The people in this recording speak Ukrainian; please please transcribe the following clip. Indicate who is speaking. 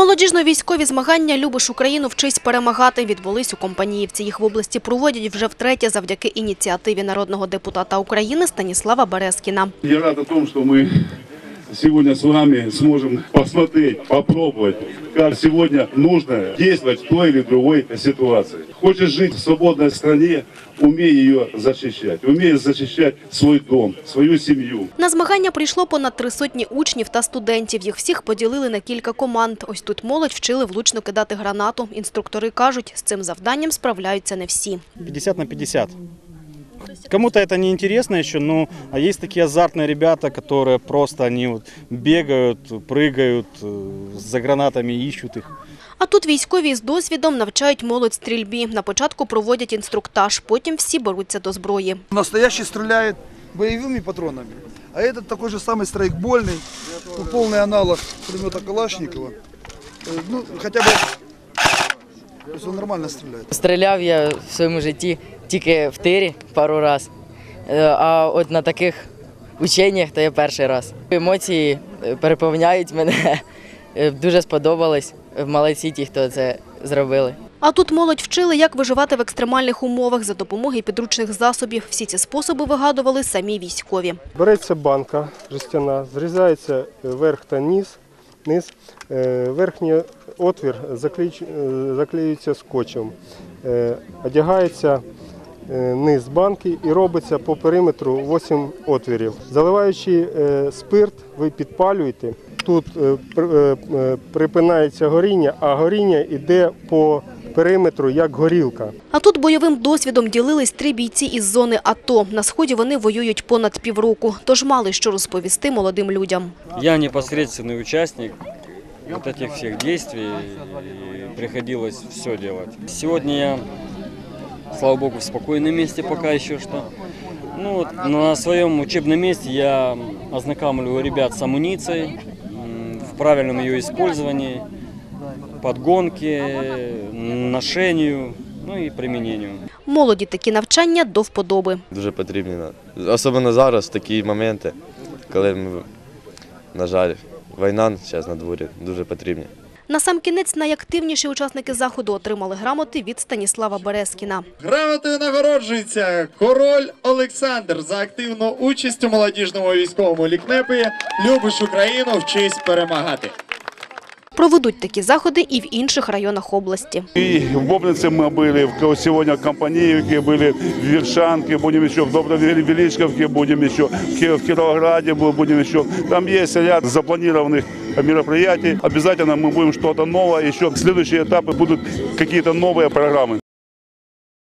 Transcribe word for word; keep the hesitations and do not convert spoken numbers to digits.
Speaker 1: Молодіжно-військові змагання «Любиш Україну, вчись перемагати» відбулись у Компаніївці. Їх в області проводять вже втретє завдяки ініціативі народного депутата України Станіслава Березкіна.
Speaker 2: Я рад о том, что мы сегодня с вами сможем посмотреть, попробовать, как сегодня нужно действовать в той или другой ситуации. Хочешь жить в свободной стране, умей ее защищать, умей защищать свой дом, свою семью.
Speaker 1: На змагання прийшло понад три сотні учнів та студентів. Їх всіх поділили на кілька команд. Ось тут молодь вчили влучно кидати гранату. Инструктори кажуть, з цим завданням справляються не всі.
Speaker 3: пятьдесят на пятьдесят. Кому-то это не интересно еще, но а есть такие азартные ребята, которые просто они вот бегают, прыгают, за гранатами ищут их.
Speaker 1: А тут військові з досвідом навчають молодь стрільбі. На початку проводять інструктаж, потім всі беруться до зброї.
Speaker 4: Настоящий стреляет боевыми патронами, а этот такой же самый страйкбольный, ну, полный аналог пулемета Калашникова. Ну, хотя бы, то есть он нормально стреляет.
Speaker 5: Стріляв я в своєму житті тільки в тирі пару разів, а от на таких ученнях то я перший раз. Емоції переповняють мене, дуже сподобалось, молодці ті, хто це зробили.
Speaker 1: А тут молодь вчили, як виживати в екстремальних умовах за допомогою підручних засобів. Всі ці способи вигадували самі військові.
Speaker 6: Береться банка жестяна, зрізається верх та низ, низ. Верхній отвір заклеюється скотчем, одягається низ банки і робиться по периметру вісім отвірів. Заливаючи спирт, ви підпалюєте. Тут припинається горіння, а горіння йде по периметру, як горілка.
Speaker 1: А тут бойовим досвідом ділились три бійці із зони АТО. На Сході вони воюють понад півроку, тож мали що розповісти молодим людям.
Speaker 7: Я непосредственный участник вот этих всех действий, и приходилось все делать. Сегодня я, слава богу, в спокойном месте пока еще что. Ну, вот на своем учебном месте я ознакомливаю ребят с амуницией, в правильном ее использовании, подгонке, ношению, ну і применению.
Speaker 1: Молоді такі навчання до вподоби.
Speaker 8: Дуже потрібні, особливо зараз, такі моменти, коли, ми, на жаль, війна зараз на дворі, дуже потрібні.
Speaker 1: Насамкінець найактивніші учасники заходу отримали грамоти від Станіслава Березкіна.
Speaker 9: Грамотою нагороджується король Олександр за активну участь у молодіжному військовому лікнепі «Любиш Україну, вчись перемагати».
Speaker 1: Проведуть такі заходи і в інших районах області.
Speaker 2: И в Бобнице мы были, сегодня в Компаниевке были, в Вершанке, будем еще в Добровеличковке, будем еще в Кировограде, будем еще. Там есть ряд запланированных мероприятий. Обязательно мы будем что-то новое, еще следующие этапы будут какие-то новые программы.